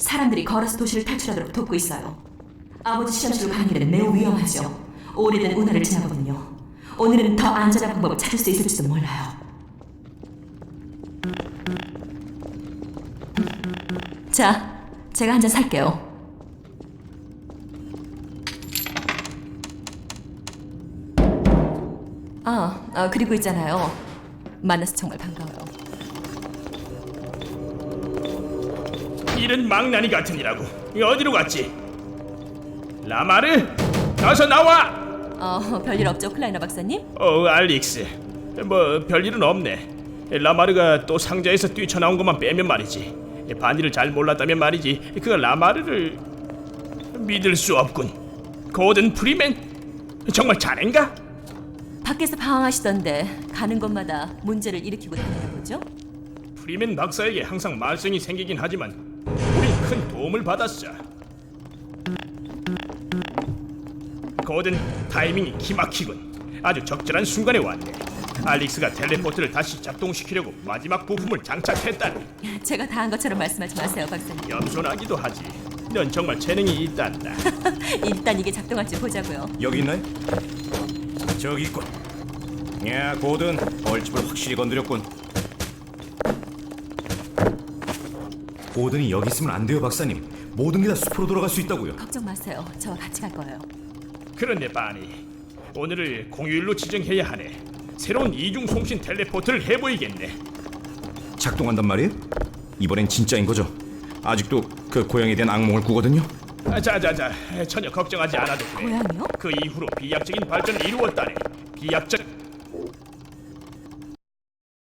사람들이 걸어서 도시를 탈출하도록 돕고 있어요. 아버지 실험실로 가는 길은 매우 위험하죠. 오래된 운하를 지나거든요. 오늘은 더 안전한 방법을 찾을 수 있을지도 몰라요. 자, 제가 한 잔 살게요. 그리고 있잖아요. 만나서 정말 반가워요. 이런 망나니 같으니라고. 어디로 갔지? 라마르? 어서 나와! 별일 없죠, 클라이너 박사님? 알릭스. 뭐 별일은 없네. 라마르가 또 상자에서 뛰쳐나온 것만 빼면 말이지. 반일을 잘 몰랐다면 말이지. 그 라마르를 믿을 수 없군. 고든 프리맨? 정말 자넨가? 밖에서 방황하시던데 가는 곳마다 문제를 일으키고 다니나 보죠? 프리맨 박사에게 항상 말썽이 생기긴 하지만 우린 큰 도움을 받았어. 고든 타이밍이 기막히군. 아주 적절한 순간에 왔네. 알릭스가 텔레포트를 다시 작동시키려고 마지막 부품을 장착했다니. 제가 다 한 것처럼 말씀하지 마세요, 박사님. 겸손하기도 하지. 넌 정말 재능이 있단다. 일단 이게 작동할지 보자고요. 여기 있나요? 저기 있군. 야, 고든 벌집을 확실히 건드렸군. 고든이 여기 있으면 안 돼요, 박사님. 모든 게 다 숲으로 돌아갈 수 있다고요. 걱정 마세요. 저와 같이 갈 거예요. 그런데 바니, 오늘을 공휴일로 지정해야 하네. 새로운 이중 송신 텔레포트를 해보이겠네. 작동한단 말이에요? 이번엔 진짜인 거죠? 아직도 그 고양이에 대한 악몽을 꾸거든요. 자자자, 전혀 걱정하지 않아도 돼. 고양이요? 그 이후로 비약적인 발전을 이루었다네. 비약적